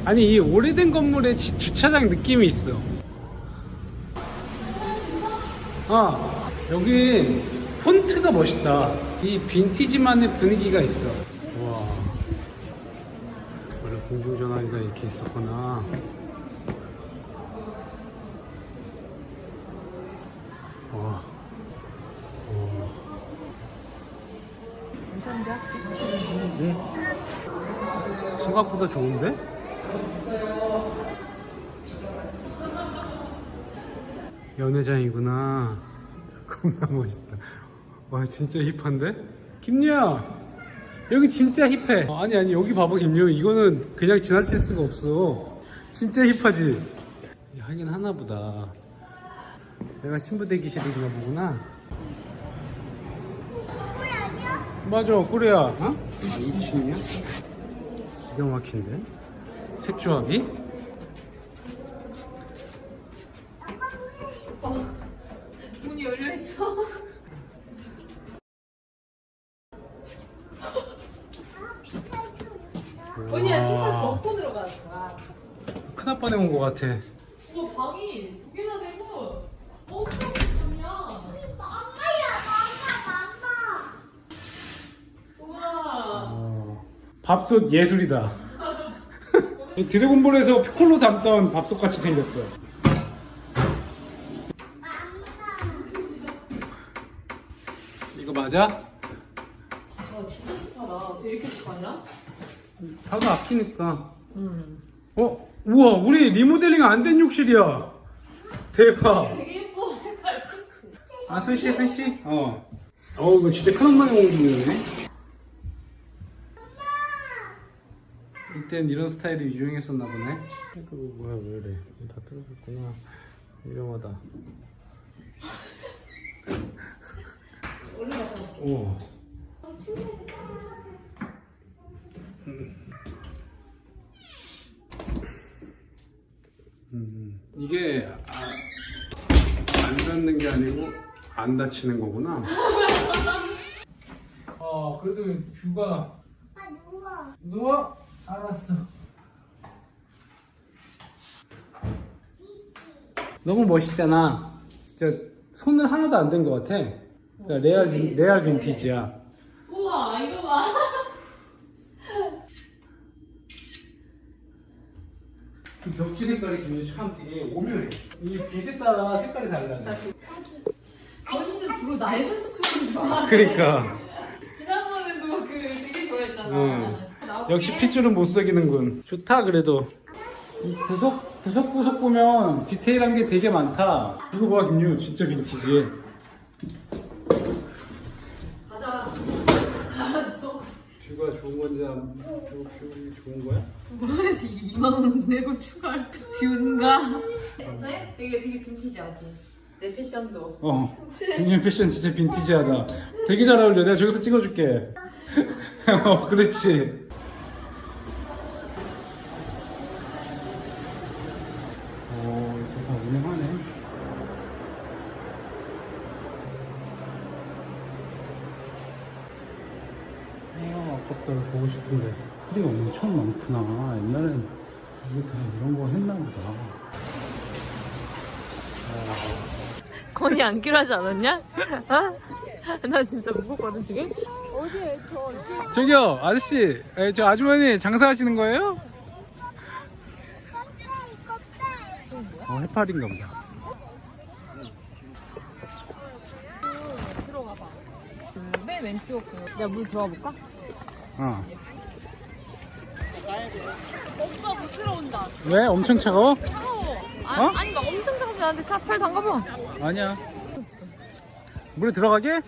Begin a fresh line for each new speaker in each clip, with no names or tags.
아니 이 오래된 건물에 주차장 느낌이 있어. 아 여기 폰트가 멋있다. 이 빈티지만의 분위기가 있어. 와 원래 공중전화기가 이렇게 있었구나. 와. 응? 생각보다 좋은데? 연회장이구나. 겁나 멋있다. 와 진짜 힙한데? 김유야 여기 진짜 힙해. 아니 여기 봐봐 김유. 이거는 그냥 지나칠 수가 없어. 진짜 힙하지? 하긴 하나보다. 내가 신부 대기실인가 보구나. 맞아 꾸레야. 어? 2층이야? 기가 막힌데? 색조합이?
문이 열려있어. 언니야 신발 벗고 들어가는 거야.
큰아빠네 온 거 같아.
우와 방이 두 개나 되고 엄청 좋냐. 우와.
밥솥 예술이다. 드래곤볼에서 피콜로 담던 밥솥 같이 생겼어. 이거 맞아?
와 진짜 습하다. 어떻게 이렇게 습하냐?
하도 아끼니까. 우와 우리 리모델링 안 된 욕실이야. 대박.
되게 예뻐 색깔.
아 손씨. 이거 진짜 큰 엉망이 공중이네. 이땐 이런 스타일이 유행했었나 보네. 그거 뭐야 왜 이래? 다 뜯어졌구나. 위험하다.
올라가서.
오. 이게 안 닿는 게 아니고 안 다치는 거구나. 그래도 뷰가. 누워. 알았어. 너무 멋있잖아. 진짜 손을 하나도 안 댄 것 같아. 그러니까 레알 빈티지야.
우와 이거 봐.
그 벽지 색깔이 지금 참 되게 오묘해. 이 빛에 따라 색깔이 달라져.
언니는 주로 낡은 숙소를 좋아하네.
그러니까.
지난번에도 되게 좋아했잖아.
역시 핏줄은 못 속이는군. 좋다 그래도. 이 구석 보면 디테일한 게 되게 많다. 이거 봐 김유 진짜 빈티지.
가자. 알았어.
뷰가 좋은 건지 뷰 좋은 거야?
그래서 2만 원 내고 추가할 뷰인가? 어때? 되게 빈티지하고 내 패션도.
김유 패션 진짜 빈티지하다. 되게 잘 어울려. 내가 저기서 찍어줄게. 그렇지. 이거 다 운영하네. 아깝다. 보고 싶은데 풀이 엄청 많구나. 옛날엔 이게 다 이런 거 했나 보다.
건이 안기로 하지 않았냐? 어? 나 진짜 무겁거든 지금? 어디에
저기요 아저씨, 저 아주머니 장사하시는 거예요? 해파리인가 보다.
들어가봐. 맨 왼쪽 내가 물 들어가 볼까? 오빠 못 들어온다.
왜? 엄청 차가워?
차가워. 아니 막 엄청 차가워. 나한테 차 팔 담가봐.
아니야. 물에 들어가게?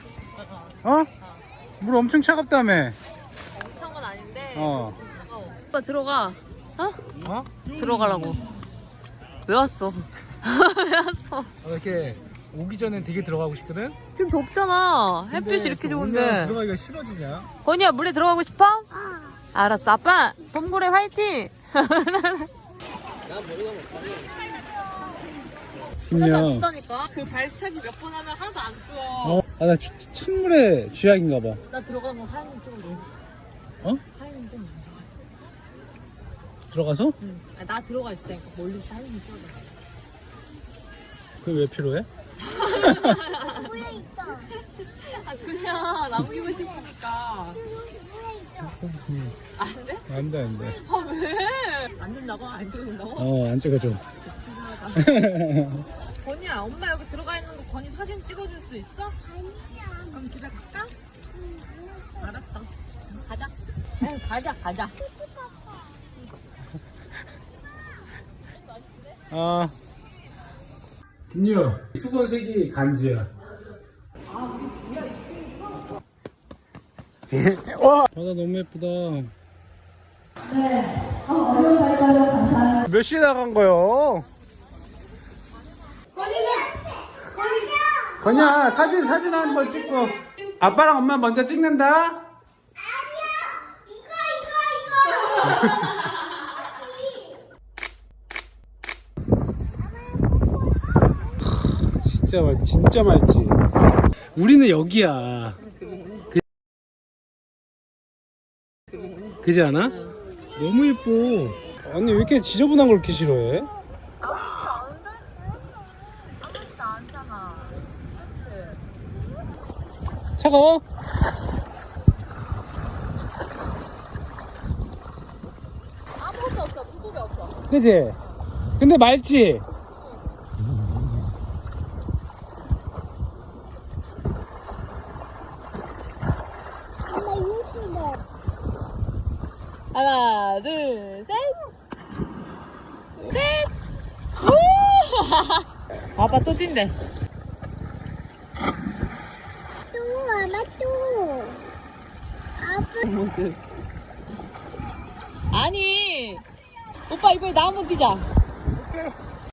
물 엄청 차갑다며.
엄청 건 아닌데
어.
차가워. 오빠 들어가.
어?
들어가라고. 왜 왔어? 왜 왔어?
이렇게 오기 전엔 되게 들어가고 싶거든?
지금 덥잖아. 햇빛이 이렇게 좋은데.
들어가기가 싫어지냐?
건이야 물에 들어가고 싶어? 알았어. 아빠 봄고래 화이팅. 하나도 안 춥다니까. 그 발차기 몇 번 하면 하나도 안 추워.
나 찬물에 쥐약인가 봐.
나 들어가면 하얀 좀.
어?
하얀 좀.
들어가서?
응. 아, 나 들어가 있으니까 멀리서 사진 찍어줘.
그게 왜 필요해?
물에 있어.
아, 그냥 남기고 싶으니까.
응.
안 돼?
안 돼, 안 돼.
아, 왜? 안 된다고? 안 찍어준다고?
안 찍어줘.
건이야, 엄마 여기 들어가 있는 거 건이 사진 찍어줄 수 있어?
아니야.
그럼 집에 갈까? 알았어. 가자. 아유, 가자.
김유, 수건색이 간지야. 와! 바다 너무 예쁘다. 몇 시에 나간 거요? 건이야, 사진 한번 찍고. 아빠랑 엄마 먼저 찍는다. 진짜 맑지. 우리는 여기야. 그지 않아? 너무 예뻐. 언니 왜 이렇게 지저분한 걸 이렇게 싫어해? 차가워?
아무것도 없어. 물고기 없어.
그지? 근데 맑지?
엄마 이거 신데.
하나, 둘, 셋. 우! 아빠 또 찐대.
또 엄마 또. 아빠.
아니, 오빠 이번에 나 한번 뛰자.